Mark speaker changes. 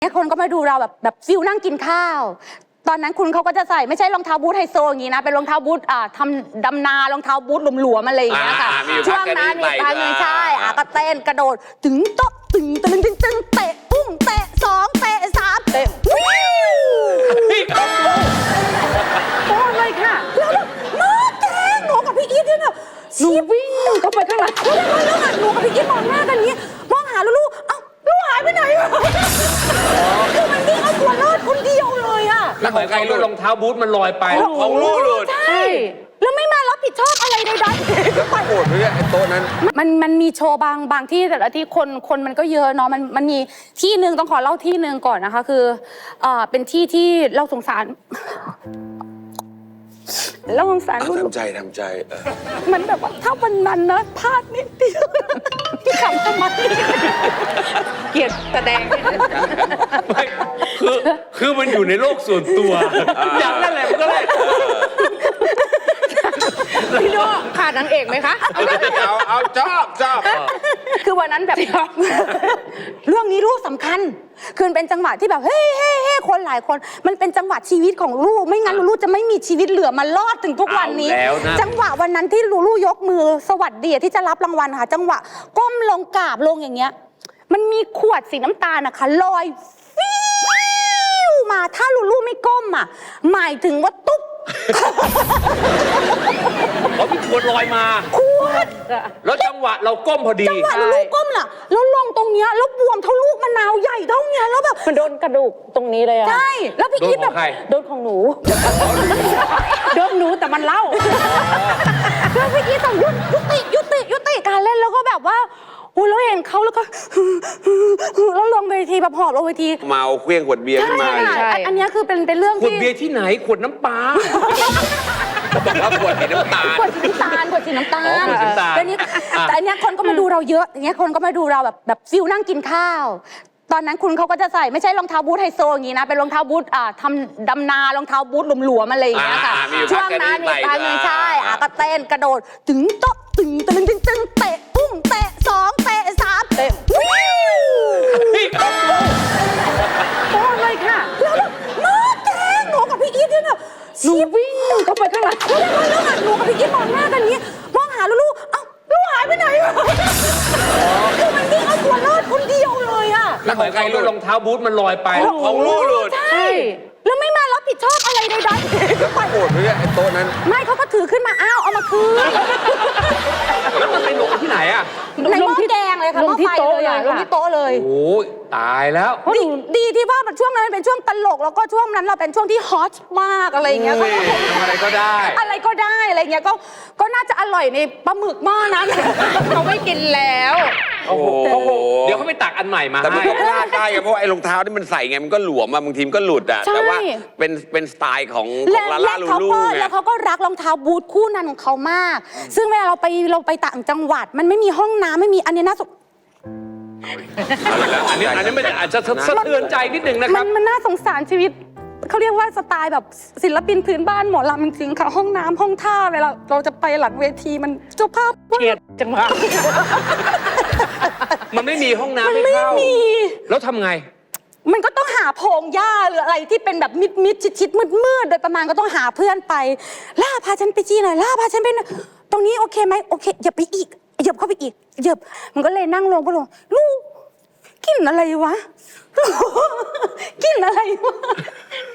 Speaker 1: คนก็มาดูเราแบบฟิลนั่งกินข้าวตอนนั้นคุณเขาก็จะใส่ไม่ใช่รองเท้าบูทไฮโซอย่างนี้นะเป็นรองเท้าบูททำดำนารองเท้าบูทหลวมๆอะไรอย่างเงี้ยค่ะช่วงนั้นมีพักหนึ่งใช่ก็เต้นกระโดดตึงโต๊ะตึงเตะปุ้งเตะสองเตะสามเตะวิวโอ้เลยค่ะแล้วแบบมาแกงหนูกับพี่อีทเนี่ยแบบหนูวิ่งเข้าไปข้างหลังแล้วหนูกับพี่อีทมองหน้ากันอย่างนี้มองหาลูกเอ้าลูกหายไปไหนคือมันวิ่งเอาตัวรอดคนเดียวเลยอะ
Speaker 2: แล้วของใครรองเท้าบูทมันลอยไป
Speaker 3: ของลูกหลุด
Speaker 1: ใช่แล้วไม่มารับผิดชอบอะไรใดๆ
Speaker 3: แล้วไปโกรธเลยไอ้โต๊ะนั้น
Speaker 1: มันมีโชว์บางที่แต่ละที่คนมันก็เยอะเนาะมันมีที่หนึ่งต้องขอเล่าที่หนึ่งก่อนนะคะคือเป็นที่เราสงสารเราสงสารลูก
Speaker 3: ทำใจ
Speaker 1: มันแบบว่าถ้าวันนั้นนะพลาดนิดเดียวพี่ขำทำไมเกลียดแสดง
Speaker 2: ไม่คือมันอยู่ในโลกส่วนตัวอย่างนั้นแหละมันก็เลย
Speaker 1: พี่โน่ขาดนางเอกไหมคะ
Speaker 3: เอาชอบ
Speaker 1: คือวันนั้นแบบเรื่องนี้ลูกสำคัญคือเป็นจังหวะที่แบบเฮ้คนหลายคนมันเป็นจังหวะชีวิตของลูกไม่งั้นลูกจะไม่มีชีวิตเหลือมารอดถึงทุกวันนี้จังหวะวันนั้นที่ลูกยกมือสวัสดีที่จะรับรางวัลค่ะจังหวะก้มลงกราบลงอย่างเงี้ยมันมีขวดสีน้ำตาลนะคะลอยฟิวมาถ้าลูกไม่ก้มอ่ะหมายถึงว่าตุ๊บ
Speaker 2: เขามีขวดลอยมา
Speaker 1: ขวด
Speaker 2: แล้วจังหวะเราก้มพอดี
Speaker 1: จังหวะลูกก้มล่ะแล้วลงตรงเนี้ยแล้วบวมเท่าลูกมะนาวใหญ่เท่าเนี้ยแล้วแบบ
Speaker 4: มันโดนกระดูกตรงนี้เลยอะ
Speaker 1: ใช่แล้วพี่อีทแบบ
Speaker 4: โดนของหนูโดนหนูแต่มันเล่า
Speaker 1: แล้วพี่อีทต้องยุติการเล่นแล้วก็แบบว่าอุ้ยเราเห็นเขาแล้วก็แล้วลงเวทีแบบหอบลงเวที
Speaker 3: เมาเครื่องขวดเบียร์ขึ้นมา
Speaker 1: ใช่อันนี้คือเป็นเรื่อง
Speaker 2: ที่ขวดเบียร์ที่ไหนขวดน้ำปลา
Speaker 3: บอกว่าขวดสีน้ำตาล
Speaker 1: ขวดสีน้ำตาลแต่อันนี้คนก็มาดูเราเยอะอย่างเงี้ยคนก็มาดูเราแบบฟิลนั่งกินข้าวตอนนั้นคุณเขาก็จะใส่ไม่ใช่รองเท้าบูทไฮโซอย่างนี้นะเป็นรองเท้าบูททำดำนารองเท้าบูทหลวมๆอะไรอย่างเงี้ยค่ะช่วงนั้นมีพักหนึ่งใช่ก็เต้นกระโดดตึงโต๊ะตึงเตะปุ้งเตะสองเตะสามเตะวิวโอ้เลยค่ะแล้วแบบมาแกงหนูกับพี่อีทเนี่ยแบบหนูวิ่งเข้าไปข้างหลังแล้วหนูกับพี่อีทมองหน้ากันอย่างนี้มองหาลูกเอ้าลูกหายไปไหนคือมันวิ่งเอาตัวรอดคนเดียวเลยอะ
Speaker 2: แล้วของใครรองเท้าบูทมันลอยไป
Speaker 3: ของลูกหลุด
Speaker 1: ใช่แล้วไม่มารับผิดชอบอะไรใดๆ
Speaker 3: แล้วไปโกรธเลยไอ้โต๊ะนั้น
Speaker 1: ไม่เขาก็ถือขึ้นมาอ้าวเอามาคืน
Speaker 2: แล้วมันไปลงที่ไหนอะ
Speaker 1: ในหม้อแกงเลยค่ะหม้อไฟเลยลงที่โต๊ะเลย
Speaker 2: โอ้ยตายแล้ว
Speaker 1: ดีที่ว่าช่วงนั้นเป็นช่วงตลกแล้วก็ช่วงนั้นเราเป็นช่วงที่ฮอตมากอะไรอย่างเงี้ย
Speaker 2: อะไรก็ได้
Speaker 1: อะไรเงี้ยก็น่าจะอร่อยในปลาหมึกหม้อนั้นเขาไม่กินแล้ว
Speaker 2: โอ้โหเดี๋ยวเขาไปตักอันใหม่มา
Speaker 3: แต่มันก็พลาดได้เพราะไอ้รองเท้าที่มันใส่ไงมันก็หลวมบางทีมันก็หลุดอะแต่ว่าเป็นสไตล์ของลาล่าลูลูไง
Speaker 1: แล้วเขาก็รักรองเท้าบูทคู่นั้นของเขามากซึ่งเวลาเราไปต่างจังหวัดมันไม่มีห้องน้ำไม่มีอันนี้น่าสง
Speaker 2: อันนี้มันอาจจะสะเทือนใจนิดนึงนะครับ
Speaker 1: มันน่าสงสารชีวิตเขาเรียกว่าสไตล์แบบศิลปินพื้นบ้านหมอลำจริงๆค่ะห้องน้ำห้องท่าเวลาเราจะไปหลังเวทีมันเจ้าภาพ
Speaker 4: เกลียดจังหวะ
Speaker 2: มันไม่มีห้องน้ำไม่เข้าแล้วทำไง
Speaker 1: มันก็ต้องหาโพรงหญ้าหรืออะไรที่เป็นแบบมิดชิดมืดโดยประมาณก็ต้องหาเพื่อนไปล่าพาฉันไปจี้หน่อยล่าพาฉันไปตรงนี้โอเคไหมโอเคอย่าไปอีกเหยียบเข้าไปอีกเหยียบมันก็เลยนั่งลงก็ลงลูกกินอะไรวะกินอะไรวะ